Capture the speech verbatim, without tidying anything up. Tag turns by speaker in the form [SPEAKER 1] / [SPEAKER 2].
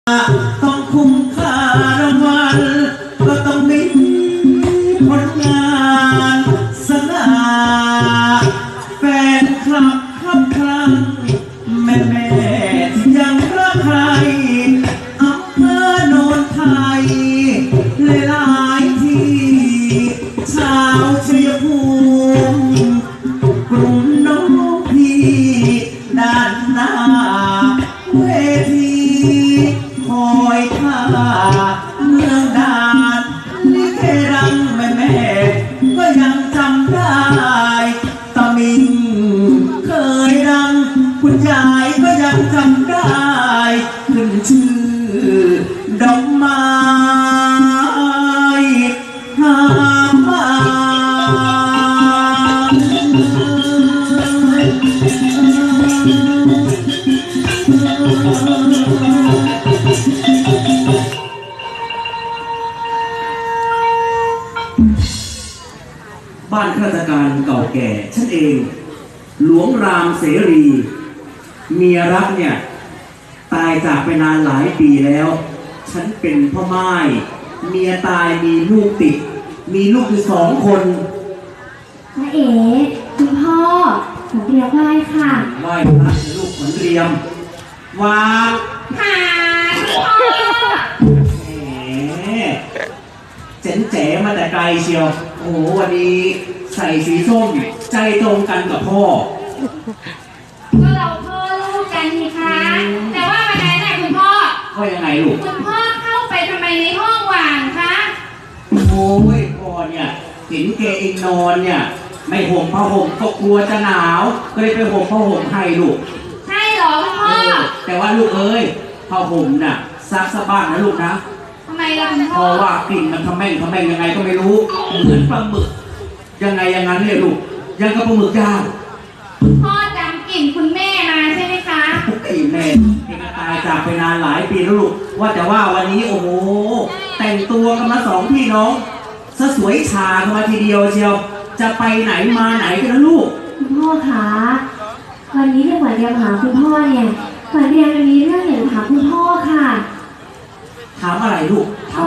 [SPEAKER 1] ต้องคุ้มค่ารางวัลก็ต้องมีผลงานสง่าแฟนคลับครับครั้งแม่แม่ที่ยังรักใครอำเภอโนนไทยหลายๆที่ชาวชัยภูมิกลุ่มน้องพี่ด้านหน้าเวทีคอยท่าเมืองดานลิเกรังแม่แม่ก็ยังจำได้ตะมิงเคยดังคุณยายก็ยังจำได้ขึ้นชื่อดอกไม้หามาบ้านข้าราชการเก่าแก่ฉันเองหลวงรามเสรีเมียรักเนี่ยตายจากไปนานหลายปีแล้วฉันเป็นพ่อไม้เมียตายมีลูกติดมีลูกอยู่สองคน
[SPEAKER 2] น้าเอ๋คุณพ่อขอเรียกไหว้ค่ะ
[SPEAKER 1] ไหว้พระลูกขนเรียมวาง
[SPEAKER 2] หาพ่อ
[SPEAKER 1] แหมเจ๋นแจ๋มาแต่ไกลเชียวโอ้โหวันนี้ใส่สีส้มใจตรงกันกับพ่อ
[SPEAKER 2] ก็เราพ่อลูกกันนี่คะแต่ว่าวันนั้นน่ะคุณพ่อ
[SPEAKER 1] ว่ายังไงลูก
[SPEAKER 2] คุณพ่อเข้าไปทำไมในห้องว่างคะ
[SPEAKER 1] โอ้ยพ่อเนี่ยเห็นแกเองนอนเนี่ยไม่ห่มผ้าห่มก็กลัวจะหนาวก็เลยไปห่มผ้าห่มให้ลูก
[SPEAKER 2] ใช่หรอคุณพ่อ
[SPEAKER 1] แต่ว่าลูกเอ้ยผ้าห่มน่ะซักสะบ้างนะลูกนะ
[SPEAKER 2] ทำไมล่ะคุณพ่อ
[SPEAKER 1] เพราะว่ากลิ่นมันทำแม่งทำแม่งยังไงก็ไม่รู้เหมือนปลาหมึกยังไงอย่างนั้นเนี่ยลูกยังกับปลาหมึกย่าง
[SPEAKER 2] พ่อจำกลิ่นคุณแม่มาใช่ไหมคะ
[SPEAKER 1] กลิ่นแม่เองตายจากไปนานหลายปีแล้วลูกว่าแต่ว่าวันนี้โอ้โหแต่งตัวกันมาสองพี่น้องซะสวยชากันมาทีเดียวเชียวจะไปไหนมาไหนกันนะลูก
[SPEAKER 2] คุณพ่อคะวันนี้ที่ขวัญเรียนหาคุณพ่อเนี่ยขวัญเรียนมีเรื่องอยากถามคุณพ่อค่ะ
[SPEAKER 1] ถามอะไรลูก